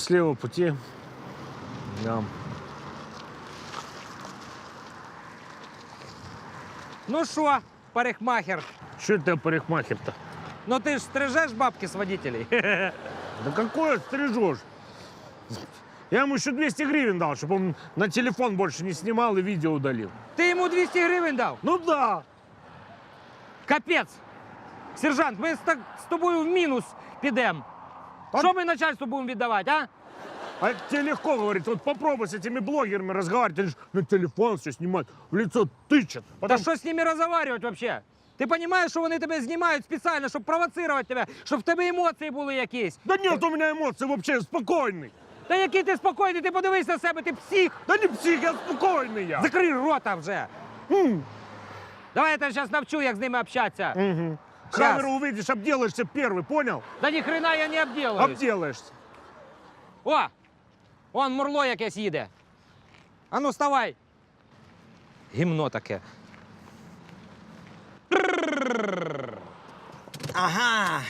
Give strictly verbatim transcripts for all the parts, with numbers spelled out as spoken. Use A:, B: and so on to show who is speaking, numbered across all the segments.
A: Счастливого пути. Да.
B: Ну що, парикмахер?
A: Что это парикмахер-то?
B: Ну ти ж стрижеш бабки з водителей?
A: Да какое стрижешь? Я ему еще двести гривен дал, чтобы он на телефон больше не снимал и видео удалил.
B: Ти йому двісті гривень дав?
A: Ну да.
B: Капець! Сержант, ми з, так, з тобою в мінус підемо.
A: А-
B: Що ми начальству будемо віддавати, а?
A: А тебе легко говорит, вот попробуй с этими блогерами разговаривать, они ж на телефон все снимают, в лицо тычат. Потом...
B: Та що з ними розмовляти взагалі? Ти розумієш, що вони тебе знімають спеціально, щоб провоцирувати тебе, щоб в тебе емоції були якісь?
A: Да нет у меня эмоций вообще, я спокойный.
B: Та який ти спокійний, ти подивись на себе, ти псих!
A: Да не псих, я спокойный я.
B: Закрий рота вже!
A: М.
B: Давай я тебе зараз навчу, як з ними общатися.
A: Мгм.
B: Щас.
A: Камеру увидишь, обделаешься первый, понял?
B: Да ні хрена я не обділаюсь.
A: Обделаешься.
B: О! Вон мурло якесь їде. А ну, вставай. Гімно таке.
C: Ага.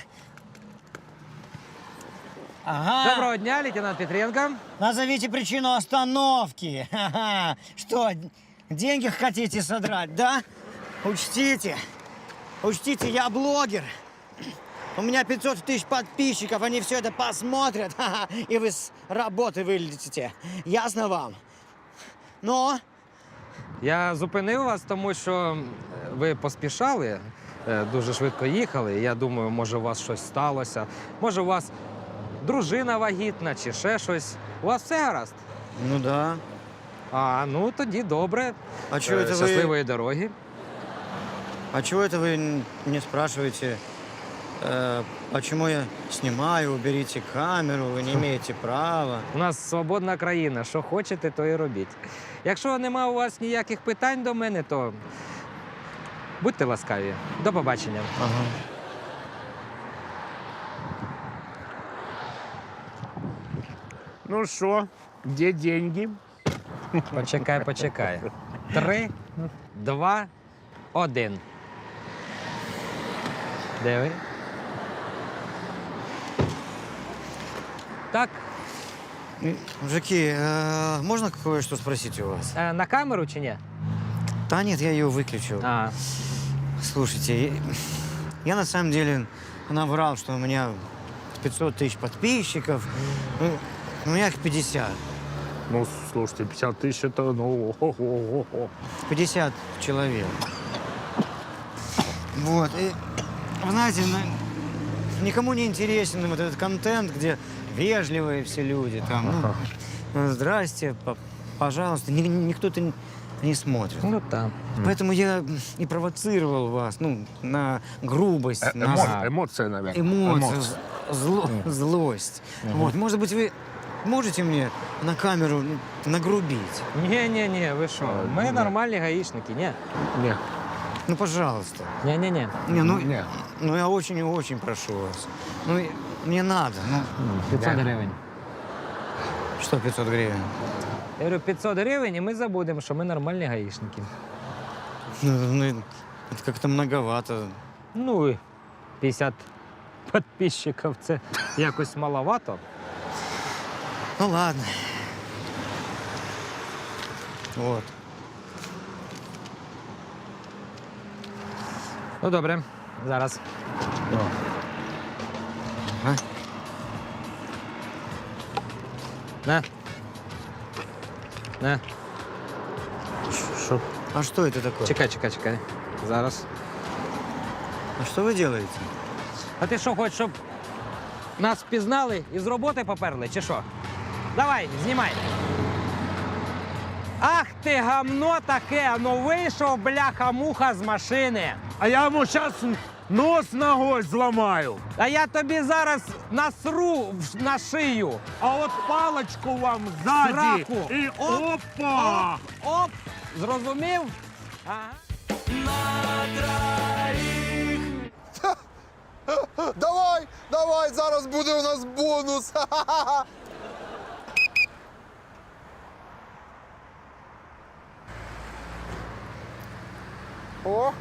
C: Ага.
B: Доброго дня, лейтенант Петренко.
C: Назовите причину остановки. Ага. Что, деньги хотите содрать, да? Учтите. Учтите, я блогер. У меня пятьсот тысяч подписчиков, они все это посмотрят, ха-ха, и вы с работы вылетите. Ясно вам? Но
B: Я зупинив вас, тому що ви поспішали, е, дуже швидко їхали. Я думаю, може, у вас щось сталося. Може, у вас дружина вагітна чи ще щось. У вас все гаразд?
C: Ну да.
B: А, ну тоді добре.
C: А чого
B: Е,
C: це ви-
B: Щасливої дороги.
C: А чего это вы н- не спрашиваете, э, почему я снимаю, уберите камеру, вы не имеете права?
B: У нас свободна країна. Що хочете, то і робіть. Якщо нема у вас ніяких питань до мене, то будьте ласкаві. До побачення.
C: Ага.
A: Ну что, где деньги?
B: Почекай, почекай. Три, два, один. Диви. Так,
C: М, Мужики, э, можно кое-что спросить у вас?
B: е, на камеру чи ні?
C: Да нет, я ее выключил.
B: А,
C: Слушайте, я, я на самом деле наврал, что у меня пятьсот тысяч подписчиков. Ну, у меня их пятьдесят.
A: Ну, слушайте, пятьдесят тысяч это, ну, ого-го-го.
C: пятьдесят человек. Вот. И, вы знаете, на- никому не интересен вот этот контент, где вежливые все люди. Там, ну, ну, здрасте, по- пожалуйста. Ни- ни- никто это не, не смотрит.
B: ну там.
C: Поэтому я и провоцировал вас, ну, на грубость,
A: Э,
C: на
A: эмо-
C: з-
A: Эмоции, наверное.
C: эмоцию, з- зло- злость. Вот, может быть, вы можете мне на камеру ну, нагрубить?
B: Ні, ні, ні, ви що? Ми нормальні гаїшники, ні.
A: Не,
C: Ну, пожалуйста.
B: Ні, ні, ні.
C: Не, ну,
A: не.
C: ну я очень и очень прошу вас. Ну, и- мне надо. Ну,
B: п'ятсот гривень.
C: что пятьсот гривен?
B: Я говорю, п'ятсот гривень, і ми забудемо, що ми нормальні гаїшники.
C: Ну, ну, это как-то многовато.
B: Ну, і п'ятдесят підписчиків – це якось маловато.
C: Ну, ладно. Вот.
B: Ну, добре, зараз.
C: А?
B: На. На.
A: Что?
C: А что это такое?
B: Чекай, чекай, чекай. Зараз.
C: А что вы делаете?
B: А ти що, хочеш, щоб нас впізнали і з роботи поперли, чи що? Давай, знімай. Ах ти гамно таке, ну вийшов бляха-муха з машини.
A: А я ему сейчас нос ногой взломаю.
B: А я тобі зараз насру в- на шию.
A: А вот палочку вам сзади.
B: Сраку.
A: И
B: Оп,
A: опа!
B: Оп, зрозумів? Ага.
D: Давай, давай, зараз буде у нас бонус. Ха-ха-ха. О.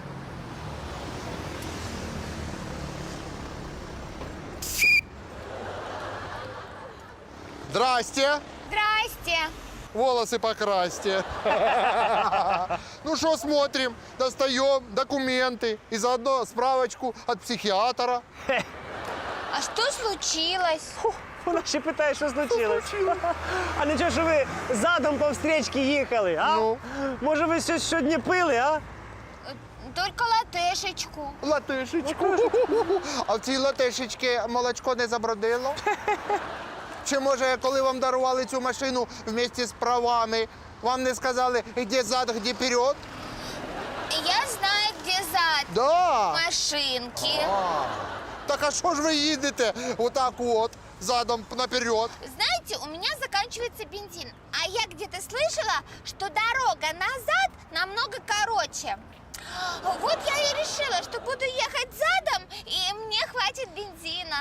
D: Здрасте.
E: Здрасте.
D: Волосы покрасьте. Ну что, смотрим, достаем документы и заодно справочку от психиатра.
E: А что случилось?
F: Вона ще питає, що случилось. А нічого, що ви задом по встречці їхали, а?
D: Ну?
F: Може, ви щось сьогодні пили, а?
E: Только латешечку.
D: Латишечку. А в цій латишечці молочко не забродило? Чи може, коли вам дарували цю машину вместе з правами, вам не сказали, де зад, де вперед?
E: Я знаю, где зад.
D: Да.
E: Машинки.
D: А, так а що ж ви їдете отак от, задом наперед?
E: Знаете, у меня заканчивается бензин. А я где-то слышала, что дорога назад намного короче. Вот я и решила, что буду ехать задом, и мне хватит бензина.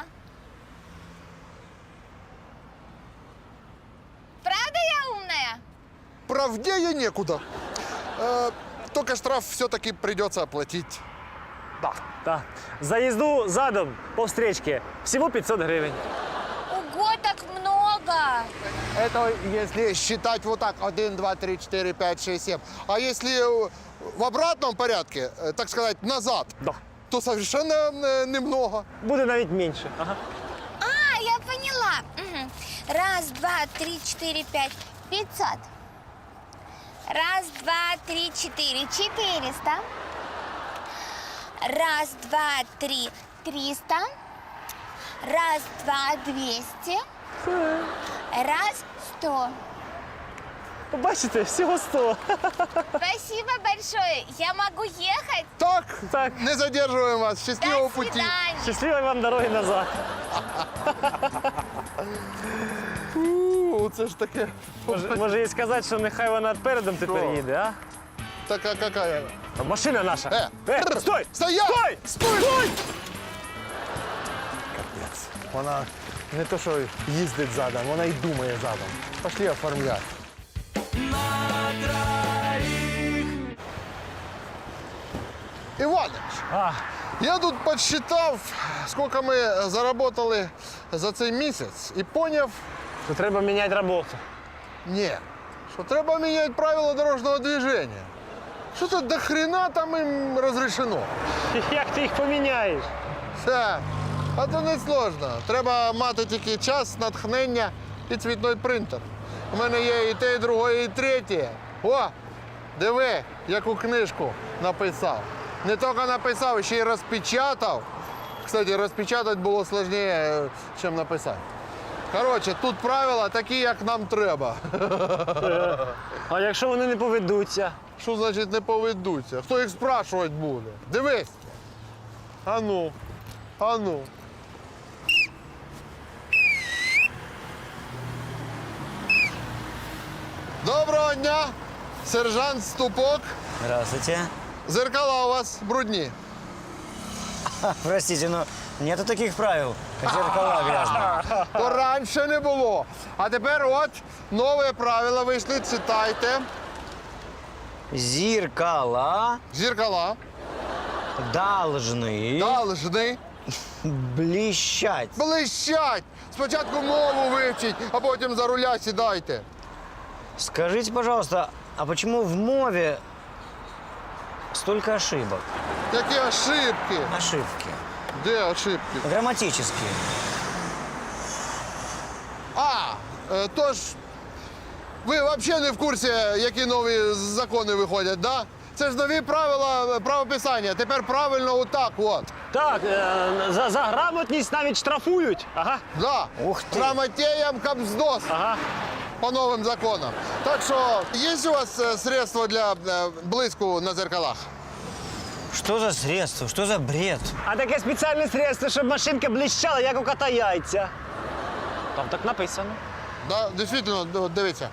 E: Правда я умная?
D: Правдее некуда. Э, только штраф все-таки придется оплатить.
F: Так. Так. За їзду задом по встречці всього п'ятсот гривень.
E: Ого, так много.
D: Это если считать вот так. Один, два, три, четыре, пять, шесть, семь. А если э, в обратном порядке, э, так сказать, назад,
F: Да.
D: то совершенно э, немного.
F: Буде навіть менше. Ага.
E: А, я поняла. Мгм. Раз, два, три, четыре, пять. Пятьсот. Раз, два, три, четыре. Четыреста. Раз, два, три. Триста. Раз, два, двести. Раз, сто.
F: Побачите, всього сто.
E: Спасибо большое. Я могу ехать?
D: Так,
F: Так.
D: не задерживаем вас.
E: До
D: Счастливого пути.
E: свидания.
F: Щасливої вам дороги назад.
D: Фу, це ж таке.
F: Може, може їй сказати, що нехай вона передом тепер
D: Що?
F: їде, а?
D: Така какая?
F: А машина наша.
D: Е,
F: Е, стой!
D: Стоять!
F: Стой!
D: Стой! Стой! Капець. Вона не то, що їздить задом, вона й думає задом. Пошли оформляти. Іванович,
F: А,
D: я тут підсчитав, скільки ми заработали за цей місяць, і поняв,
F: то треба міняти роботу.
D: ні, що треба міняти правила дорожнього движення. Що тут до хрена там їм розрішено?
F: Як ти їх поміняєш?
D: Все. А то не сложно. Треба мати тільки час, натхнення і цвітний принтер. У мене є і те, і друге, і третє. О, диви, яку книжку написав. Не тільки написав, ще й розпечатав. Кстати, розпечатати було складніше, ніж написати. Коротше, тут правила такі, як нам треба.
F: А якщо вони не поведуться?
D: Що значить не поведуться? Хто їх спрашувати буде? Дивись. А ну, а ну. Доброго дня, сержант Ступок.
C: Здравствуйте.
D: Зеркала у вас брудні.
C: Простите, но нету таких правил. Зеркала грязные.
D: То раніше не було. А тепер от нові правила вийшли, читайте.
C: Зеркала
D: Зеркала
C: должны
D: должны
C: блещать.
D: блищать. Спочатку мову вивчіть, а потім за руля сідайте.
C: Скажите, пожалуйста, а почему в мове столько ошибок?
D: Які ошибки?
C: Ошибки.
D: Де ошибки?
C: Грамматические.
D: А, е, тож, ви взагалі не в курсі, які нові закони виходять, да? Це ж нові правила правописання. Тепер правильно отак, от.
F: Так, е, за, за грамотність навіть штрафують. Ага.
D: Да.
C: Ух ти.
D: Грамотеям капздос
F: Ага.
D: по новим законам. Так що, є у вас е, средства для е, блиску на зеркалах?
C: Что за средство? Что за бред?
F: А таке спеціальне средство, щоб машинка блищала, як у кота яйця. Там так написано.
D: Да, дійсно, д- дивіться.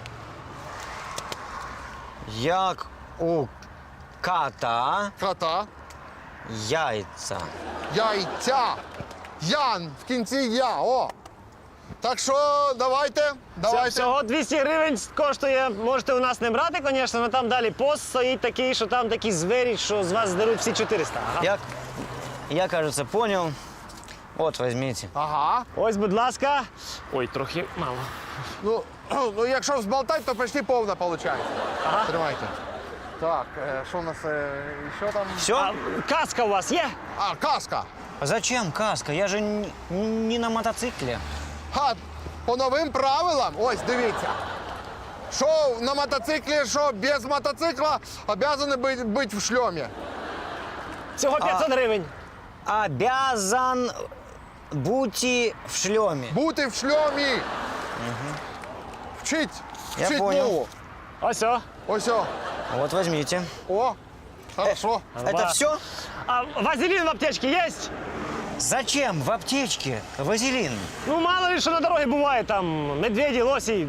C: Як у кота
D: Кота,
C: яйца.
D: яйця, ян, в кінці я, о. Так що давайте, давайте.
F: Всього двісті гривень коштує. Можете у нас не брати, звісно, але там далі пост стоїть такий, що там такі звері, що з вас здеруть всі чотириста. Ага.
C: Я, я, кажется, понял. Вот, возьмите.
D: Ага.
F: Ось, будь ласка. Ой, трохи мало.
D: Ну, ну якщо взболтать, то почти повна виходить. Ага. Тримайте. Так, е, що у нас е, що там?
C: Все?
F: А каска у вас є?
D: А, каска.
C: Зачем каска? Я же н- не на мотоцикле.
D: Ха, по новим правилам, ось дивіться. Що на мотоциклі, що без мотоцикла, обязаны бути бути в шльомі.
F: Всього п'ятсот гривень.
C: Обязан будьте в шлеме.
D: Бути в шльомі. Вчить.
C: Я
D: Вчить
C: понял.
D: мову.
F: Ось о.
D: Ось о.
C: Вот, возьмите.
D: О, хорошо.
C: Это все?
F: А вазелін в аптечці є?
C: Зачем в аптечке вазелин?
F: Ну, мало ли, що на дорогі буває, там медведі, лосі.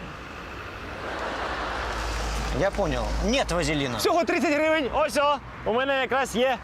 C: Я понял. Нет вазелина.
F: Всього тридцять гривень. Ось о. У мене якраз є.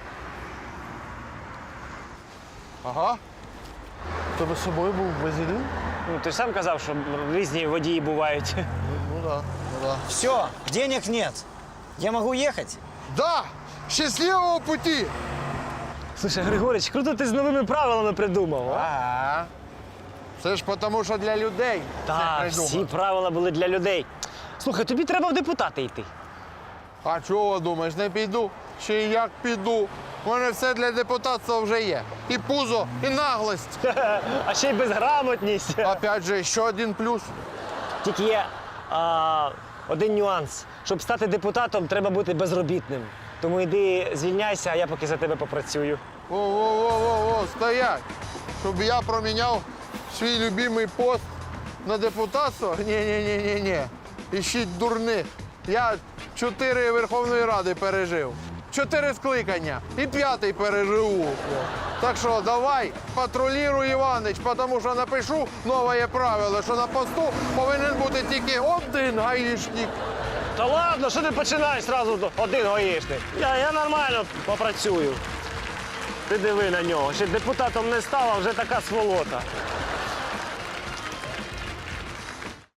D: Ага. Тебе з собою був вазелін?
F: Ну, ти ж сам казав, що різні водії бувають.
D: Ну да, ну да.
C: Все, денег нет. Я могу ехать?
D: Да! Щасливого пути!
F: Слушай, Григорич, круто ти з новими правилами придумав. А?
D: Ага. Це ж тому, що для людей
F: Так,
D: це
F: всі
D: придумано.
F: правила були для людей. Слухай, тобі треба в депутати йти.
D: А чого думаєш, не піду? Ще й як піду. У мене все для депутатства вже є. І пузо, і наглость.
F: А ще й безграмотність.
D: Опять же, ще один плюс.
F: Тільки є а, один нюанс. Щоб стати депутатом, треба бути безробітним. Тому йди звільняйся, а я поки за тебе попрацюю.
D: Во-во-во-во, стоять. Щоб я проміняв свій любимий пост на депутатство? Ні-ні-ні-ні-ні. Іщіть дурних. Я чотири Верховної Ради пережив. Чотири скликання. І п'ятий переживу. Так що давай, патрулюй, Іванич, тому що напишу нове правило, що на посту повинен бути тільки один гаїшник.
F: Та ладно, що ти починаєш одразу один гаїшник? Я, я нормально попрацюю. Ти диви на нього. Ще депутатом не став, а вже така сволота.